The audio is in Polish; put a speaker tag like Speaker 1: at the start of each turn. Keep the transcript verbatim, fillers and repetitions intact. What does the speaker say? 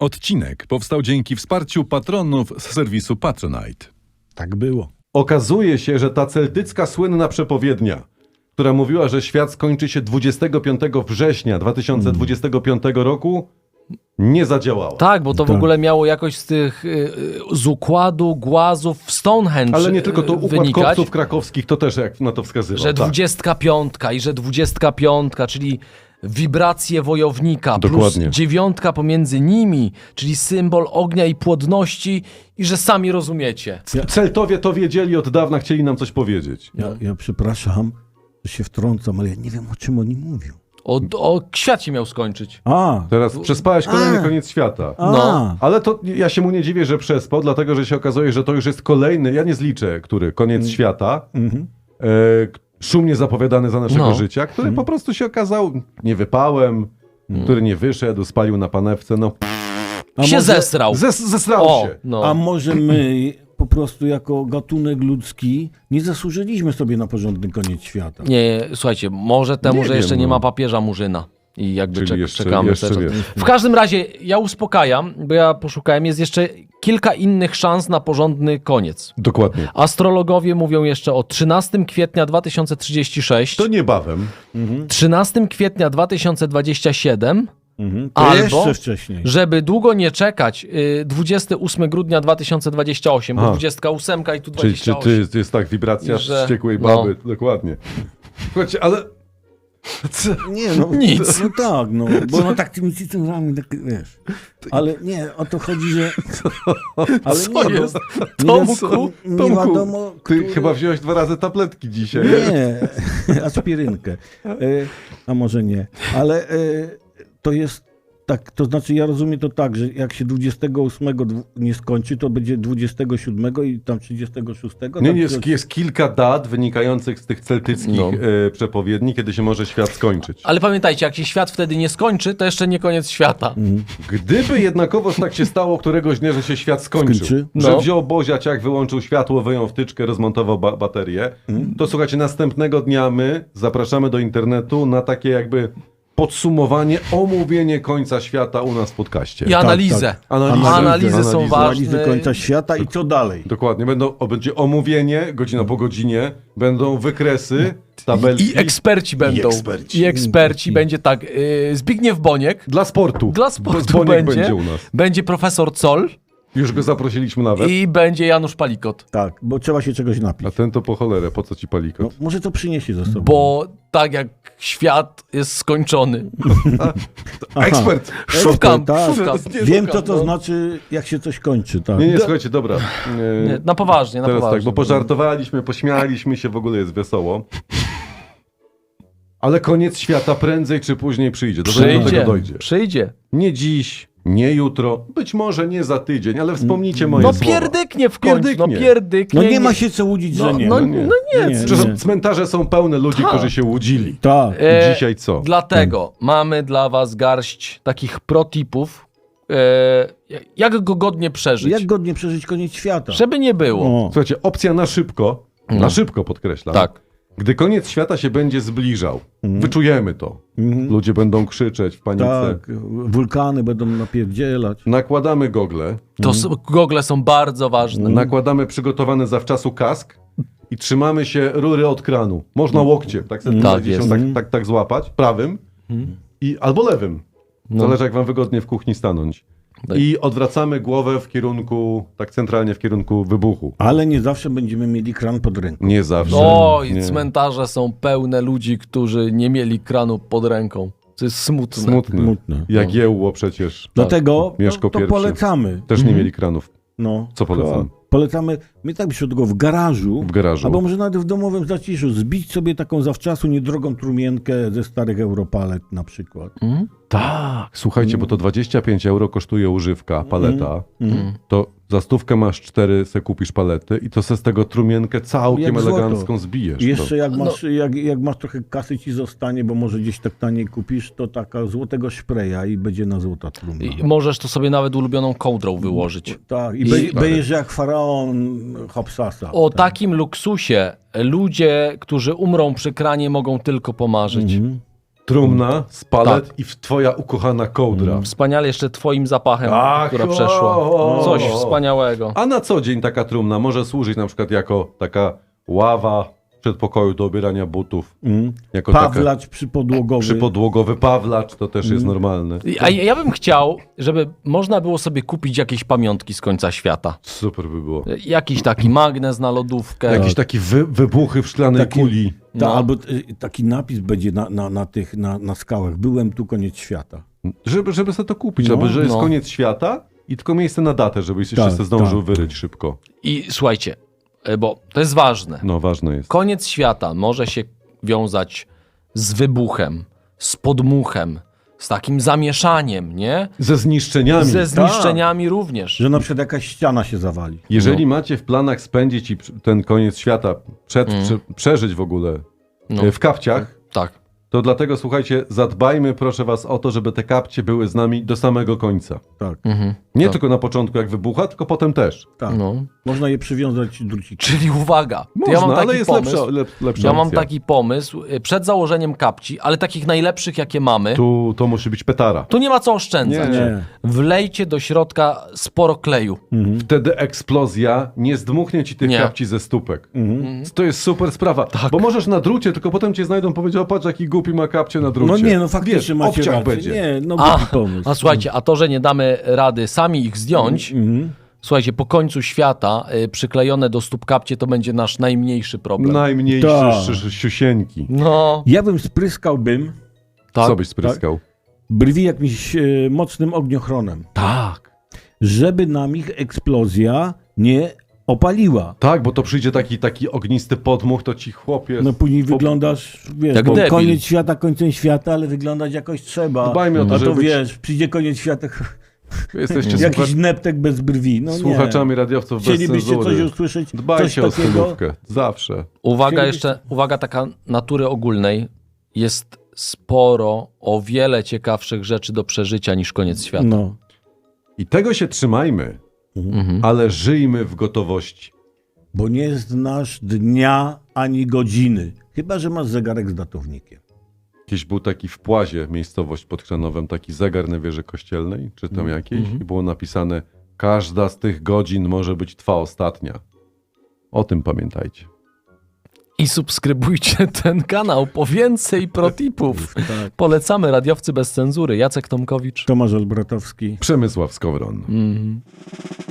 Speaker 1: Odcinek powstał dzięki wsparciu patronów z serwisu Patronite.
Speaker 2: Tak było.
Speaker 3: Okazuje się, że ta celtycka słynna przepowiednia, która mówiła, że świat skończy się dwudziestego piątego września dwa tysiące dwudziestego piątego roku, nie zadziałała.
Speaker 4: Tak, bo to w
Speaker 2: Tak.
Speaker 4: ogóle miało jakoś z tych, y, z układu głazów w Stonehenge
Speaker 3: Ale nie tylko to
Speaker 4: y,
Speaker 3: układ
Speaker 4: wynikać,
Speaker 3: kopców krakowskich, to też jak na to wskazywał.
Speaker 4: że
Speaker 3: tak.
Speaker 4: dwudziestka piątka i że dwudziestka piątka, czyli wibracje wojownika,
Speaker 3: Dokładnie.
Speaker 4: plus dziewiątka pomiędzy nimi, czyli symbol ognia i płodności i że sami rozumiecie.
Speaker 3: Celtowie to wiedzieli od dawna, chcieli nam coś powiedzieć.
Speaker 2: Ja, ja przepraszam, że się wtrącam, ale ja nie wiem, o czym oni mówią.
Speaker 4: O, o świat się miał skończyć.
Speaker 2: A,
Speaker 3: Teraz przespałeś kolejny
Speaker 2: A.
Speaker 3: koniec świata.
Speaker 2: a,
Speaker 4: No.
Speaker 3: Ale to ja się mu nie dziwię, że przespał, dlatego że się okazuje, że to już jest kolejny, ja nie zliczę, który koniec świata,
Speaker 2: Mhm.
Speaker 3: e, szumnie zapowiadany za naszego
Speaker 4: No.
Speaker 3: życia, który po prostu się okazał niewypałem, który nie wyszedł, spalił na panewce, no
Speaker 2: a
Speaker 4: się
Speaker 2: może,
Speaker 4: zesrał.
Speaker 3: zes, zesrał
Speaker 4: O,
Speaker 3: się.
Speaker 4: no.
Speaker 2: A może my po prostu jako gatunek ludzki nie zasłużyliśmy sobie na porządny koniec świata?
Speaker 4: Nie, słuchajcie, może temu,
Speaker 3: Nie
Speaker 4: że
Speaker 3: wiem,
Speaker 4: jeszcze nie
Speaker 3: no.
Speaker 4: ma papieża Murzyna. I jakby
Speaker 3: Czyli
Speaker 4: czek-
Speaker 3: jeszcze-
Speaker 4: czekamy
Speaker 3: jeszcze
Speaker 4: cały czas.
Speaker 3: wiesz.
Speaker 4: W każdym razie ja uspokajam, bo ja poszukałem, jest jeszcze kilka innych szans na porządny koniec.
Speaker 3: Dokładnie.
Speaker 4: Astrologowie mówią jeszcze o trzynastego kwietnia dwa tysiące trzydziestego szóstego,
Speaker 3: To niebawem.
Speaker 4: trzynastego kwietnia dwa tysiące dwudziestego siódmego,
Speaker 2: Mhm. To
Speaker 4: Albo-
Speaker 2: jeszcze wcześniej.
Speaker 4: żeby długo nie czekać, y, dwudziestego ósmego grudnia dwa tysiące dwudziestego ósmego, bo
Speaker 3: Aha.
Speaker 4: dwudziestka ósemka i tu
Speaker 3: Czyli czy,
Speaker 4: dwadzieścia osiem.
Speaker 3: czy jest, jest tak wibracja
Speaker 4: Że-
Speaker 3: wściekłej
Speaker 4: no.
Speaker 3: baby? Dokładnie. Słuchajcie, ale... Co?
Speaker 2: Nie, no,
Speaker 4: Nic.
Speaker 2: No tak, no, bo no tak tymi cytrynami, tak, wiesz. Ale nie, o to chodzi, że... Ale
Speaker 4: Co
Speaker 2: nie,
Speaker 4: jest?
Speaker 2: Nie,
Speaker 4: Tomku?
Speaker 2: nie
Speaker 3: Tomku,
Speaker 2: wiadomo,
Speaker 3: ty
Speaker 2: który...
Speaker 3: chyba wziąłeś dwa razy tabletki dzisiaj.
Speaker 2: Nie, aspirynkę. E, a może nie. Ale e, to jest tak, to znaczy ja rozumiem to tak, że jak się dwudziestego ósmego dwu- nie skończy, to będzie dwudziestego siódmego i tam trzydziestego szóstego.
Speaker 3: Nie,
Speaker 2: tak,
Speaker 3: nie, jest,
Speaker 2: to-
Speaker 3: jest kilka dat wynikających z tych celtyckich
Speaker 4: No.
Speaker 3: e, przepowiedni, kiedy się może świat skończyć.
Speaker 4: Ale pamiętajcie, jak się świat wtedy nie skończy, to jeszcze nie koniec świata.
Speaker 3: Gdyby jednakowoż tak się stało któregoś dnia, że się świat skończył,
Speaker 2: Skończy?
Speaker 3: że
Speaker 4: No.
Speaker 3: wziął Boziaciak, wyłączył światło, wyjął wtyczkę, rozmontował ba baterię, to słuchajcie, następnego dnia my zapraszamy do internetu na takie jakby podsumowanie, omówienie końca świata u nas w podcaście.
Speaker 4: I analizę.
Speaker 2: tak.
Speaker 3: Analizy.
Speaker 4: Analizy są
Speaker 3: Analizy.
Speaker 4: ważne.
Speaker 2: Analizy końca świata i co dalej?
Speaker 3: Dokładnie, będą, o, będzie omówienie, godzina po godzinie, będą wykresy, tabelki.
Speaker 4: I eksperci będą.
Speaker 3: eksperci.
Speaker 4: I eksperci. Będzie tak. Yy, Zbigniew Boniek.
Speaker 3: Dla sportu.
Speaker 4: Dla sportu
Speaker 3: Boniek
Speaker 4: będzie.
Speaker 3: będzie u nas.
Speaker 4: Będzie profesor Col
Speaker 3: Już go zaprosiliśmy nawet.
Speaker 4: i będzie Janusz Palikot.
Speaker 2: Tak, bo trzeba się czegoś
Speaker 3: A
Speaker 2: napić.
Speaker 3: ten to po cholerę, po co ci palikot?
Speaker 2: No, może to przyniesie ze sobą.
Speaker 4: Bo tak jak świat jest skończony.
Speaker 2: Aha.
Speaker 3: Ekspert!
Speaker 4: Szukam,
Speaker 2: tak.
Speaker 4: szukam.
Speaker 2: Wiem,
Speaker 4: szukam,
Speaker 2: co to
Speaker 4: no.
Speaker 2: znaczy, jak się coś kończy. Tak.
Speaker 3: Nie, nie, słuchajcie, dobra. E,
Speaker 4: Nie, na poważnie, na
Speaker 3: Teraz
Speaker 4: poważnie.
Speaker 3: tak, bo pożartowaliśmy, pośmialiśmy się, w ogóle jest wesoło. Ale koniec świata prędzej czy później przyjdzie. Do, do
Speaker 4: Przyjdzie,
Speaker 3: tego dojdzie.
Speaker 4: przyjdzie.
Speaker 3: Nie dziś, nie jutro, być może nie za tydzień, ale wspomnijcie moje
Speaker 4: No
Speaker 3: słowa.
Speaker 4: pierdyknie w końcu,
Speaker 3: Pierdyknie.
Speaker 4: no pierdyknie.
Speaker 2: No nie ma się co łudzić,
Speaker 4: No,
Speaker 2: że nie.
Speaker 4: no,
Speaker 3: no
Speaker 4: no
Speaker 3: nie.
Speaker 4: nie.
Speaker 2: Nie.
Speaker 3: Przepraszam, cmentarze są pełne ludzi,
Speaker 4: Tak.
Speaker 3: którzy się łudzili.
Speaker 2: Tak.
Speaker 4: E,
Speaker 3: Dzisiaj co?
Speaker 4: Dlatego mamy dla was garść takich protipów, e, jak go godnie przeżyć.
Speaker 2: Jak godnie przeżyć koniec świata?
Speaker 4: Żeby nie było.
Speaker 2: O.
Speaker 3: Słuchajcie, opcja na szybko,
Speaker 4: No.
Speaker 3: na szybko podkreślam.
Speaker 4: Tak.
Speaker 3: Gdy koniec świata się będzie zbliżał, wyczujemy to.
Speaker 2: Mhm.
Speaker 3: Ludzie będą krzyczeć w panice.
Speaker 2: Tak, wulkany będą napierdzielać.
Speaker 3: Nakładamy gogle,
Speaker 4: To s- gogle są bardzo ważne.
Speaker 3: nakładamy przygotowany zawczasu kask i trzymamy się rury od kranu. Można łokciem, tak sobie
Speaker 4: Tak
Speaker 3: tak,
Speaker 4: jest.
Speaker 3: tak, tak, tak złapać, prawym i albo lewym. Zależy jak wam wygodnie w kuchni stanąć.
Speaker 4: Tak.
Speaker 3: I odwracamy głowę w kierunku, tak centralnie w kierunku wybuchu.
Speaker 2: Ale nie zawsze będziemy mieli kran pod ręką.
Speaker 3: Nie zawsze.
Speaker 4: Oj,
Speaker 3: nie.
Speaker 4: cmentarze są pełne ludzi, którzy nie mieli kranu pod ręką. To jest smutne.
Speaker 3: Smutne.
Speaker 2: Smutne.
Speaker 3: Jak Jełło przecież.
Speaker 2: Dlatego
Speaker 3: Mieszko
Speaker 2: to, to
Speaker 3: pierwszy.
Speaker 2: polecamy.
Speaker 3: Też nie mieli kranów.
Speaker 2: No.
Speaker 3: Co polecam?
Speaker 2: Polecamy, my tak byśmy tego w garażu,
Speaker 3: W garażu.
Speaker 2: albo może nawet w domowym zaciszu, zbić sobie taką zawczasu niedrogą trumienkę ze starych Europalet na przykład.
Speaker 4: Mhm.
Speaker 3: Tak. Słuchajcie, bo to dwadzieścia pięć euro kosztuje używka, paleta.
Speaker 2: Mhm.
Speaker 3: To za stówkę masz cztery, se kupisz palety i to se z tego trumienkę całkiem
Speaker 2: Jak złoto.
Speaker 3: elegancką zbijesz.
Speaker 2: I jeszcze
Speaker 3: to.
Speaker 2: jak
Speaker 4: No.
Speaker 2: masz, jak, jak masz trochę kasy ci zostanie, bo może gdzieś tak taniej kupisz, to taka złotego szpreja i będzie na złota trumna.
Speaker 4: I możesz to sobie nawet ulubioną kołdrą wyłożyć.
Speaker 2: Tak, i,
Speaker 4: I-
Speaker 2: be, będziesz jak faraon Hopsasa.
Speaker 4: O
Speaker 2: tak.
Speaker 4: takim luksusie ludzie, którzy umrą przy kranie, mogą tylko pomarzyć.
Speaker 2: Mhm.
Speaker 3: Trumna, spalet
Speaker 4: Tak.
Speaker 3: i w- twoja ukochana kołdra.
Speaker 4: Wspaniale jeszcze twoim zapachem,
Speaker 3: Ach,
Speaker 4: która
Speaker 3: o,
Speaker 4: przeszła.
Speaker 3: o,
Speaker 4: Coś
Speaker 3: o.
Speaker 4: wspaniałego.
Speaker 3: A na co dzień taka trumna może służyć na przykład jako taka ława w przedpokoju do obierania butów.
Speaker 2: Mm.
Speaker 3: Jako taka
Speaker 2: Pawlacz przypodłogowy.
Speaker 3: przypodłogowy pawlacz, to też
Speaker 2: Mm.
Speaker 3: jest normalne.
Speaker 4: A ja ja bym chciał, żeby można było sobie kupić jakieś pamiątki z końca świata.
Speaker 3: Super by było.
Speaker 4: Jakiś taki magnes na lodówkę.
Speaker 3: Jakieś takie wy, wybuchy w szklanej
Speaker 2: Taki-
Speaker 3: kuli.
Speaker 2: Ta,
Speaker 4: No.
Speaker 2: Albo y, taki napis będzie na, na, na tych na, na skałach. Byłem tu, koniec świata.
Speaker 3: Żeby, żeby sobie to kupić,
Speaker 2: No,
Speaker 3: albo że jest
Speaker 4: no.
Speaker 3: koniec świata i tylko miejsce na datę, żebyś jeszcze
Speaker 2: Tak,
Speaker 3: sobie zdążył
Speaker 2: tak.
Speaker 3: wyryć szybko.
Speaker 4: I słuchajcie, y, bo to jest ważne.
Speaker 3: No, ważne jest.
Speaker 4: Koniec świata może się wiązać z wybuchem, z podmuchem, z takim zamieszaniem, nie?
Speaker 3: Ze zniszczeniami.
Speaker 4: Ze zniszczeniami również.
Speaker 2: Że na przykład jakaś ściana się zawali.
Speaker 3: Jeżeli
Speaker 4: No.
Speaker 3: macie w planach spędzić i pr- ten koniec świata, przed,
Speaker 4: Mm.
Speaker 3: prze, przeżyć w ogóle
Speaker 4: No.
Speaker 3: e, w kapciach,
Speaker 4: Tak.
Speaker 3: to dlatego słuchajcie, zadbajmy proszę was o to, żeby te kapcie były z nami do samego końca.
Speaker 2: Tak,
Speaker 4: Mhm.
Speaker 3: Nie
Speaker 4: Tak.
Speaker 3: tylko na początku jak wybucha, tylko potem też.
Speaker 2: tak.
Speaker 4: No.
Speaker 2: Można je przywiązać drucikiem.
Speaker 4: Czyli uwaga, to
Speaker 3: Można,
Speaker 4: ja mam taki
Speaker 3: ale jest
Speaker 4: pomysł.
Speaker 3: lepsza, lep, lepsza
Speaker 4: Ja mam
Speaker 3: opcja.
Speaker 4: taki pomysł y, przed założeniem kapci, ale takich najlepszych, jakie mamy. Tu,
Speaker 3: Tu to musi być petara.
Speaker 4: nie ma co oszczędzać.
Speaker 3: Nie.
Speaker 2: Nie.
Speaker 4: Wlejcie do środka sporo kleju.
Speaker 2: Mhm.
Speaker 3: Wtedy eksplozja nie zdmuchnie ci tych
Speaker 4: Nie.
Speaker 3: kapci ze stópek.
Speaker 2: Mhm.
Speaker 3: To jest super sprawa,
Speaker 4: Tak.
Speaker 3: bo możesz na drucie, tylko potem cię znajdą, powiedział, patrz jaki głupi ma kapcie na drucie.
Speaker 2: No nie, no faktycznie
Speaker 3: Wiesz,
Speaker 2: macie
Speaker 3: obciach
Speaker 2: rację.
Speaker 3: będzie.
Speaker 2: Nie, no
Speaker 4: A,
Speaker 2: głupi pomysł.
Speaker 4: a słuchajcie, a to, że nie damy rady sami ich zdjąć,
Speaker 2: Mhm.
Speaker 4: słuchajcie, po końcu świata y, przyklejone do stóp kapcie to będzie nasz najmniejszy problem.
Speaker 3: Najmniejsze
Speaker 2: Tak.
Speaker 3: szy- siusieńki.
Speaker 4: No,
Speaker 2: Ja bym spryskałbym
Speaker 4: tak.
Speaker 3: Co byś spryskał?
Speaker 2: brwi jakimś e, mocnym ogniochronem,
Speaker 3: Tak.
Speaker 2: żeby nam ich eksplozja nie opaliła.
Speaker 3: Tak, bo to przyjdzie taki, taki ognisty podmuch, to ci chłopie...
Speaker 2: No później
Speaker 3: po-
Speaker 2: wyglądasz, wiesz,
Speaker 4: Jak
Speaker 2: bo
Speaker 4: debil.
Speaker 2: koniec świata końcem świata, ale wyglądać jakoś trzeba.
Speaker 3: Dbajmy o to,
Speaker 2: A
Speaker 3: żeby
Speaker 2: to
Speaker 3: być-
Speaker 2: wiesz, przyjdzie koniec świata,
Speaker 3: Jesteście
Speaker 2: jakiś
Speaker 3: słucha-
Speaker 2: neptek bez brwi. No nie.
Speaker 3: słuchaczami radiowców bez
Speaker 2: Chcielibyście coś
Speaker 3: cenzury.
Speaker 2: usłyszeć?
Speaker 3: Dbajcie o
Speaker 2: coś takiego?
Speaker 3: stylówkę. Zawsze.
Speaker 4: Uwaga
Speaker 2: Chcielibyście-
Speaker 4: jeszcze, uwaga taka natury ogólnej. Jest sporo, o wiele ciekawszych rzeczy do przeżycia niż koniec świata.
Speaker 2: No.
Speaker 3: I tego się trzymajmy,
Speaker 4: Mhm.
Speaker 3: ale żyjmy w gotowości.
Speaker 2: Bo nie znasz dnia ani godziny. Chyba że masz zegarek z datownikiem.
Speaker 3: Kiedyś był taki w Płazie, miejscowość pod Chrzanowem, taki zegar na wieży kościelnej, czy tam jakiejś,
Speaker 2: Mhm.
Speaker 3: i było napisane, każda z tych godzin może być twa ostatnia. O tym pamiętajcie.
Speaker 4: I subskrybujcie ten kanał po więcej protipów.
Speaker 2: Tak.
Speaker 4: Polecamy Radiowcy bez cenzury. Jacek Tomkowicz.
Speaker 2: Tomasz Olbratowski.
Speaker 3: Przemysław Skowron.
Speaker 4: Mhm.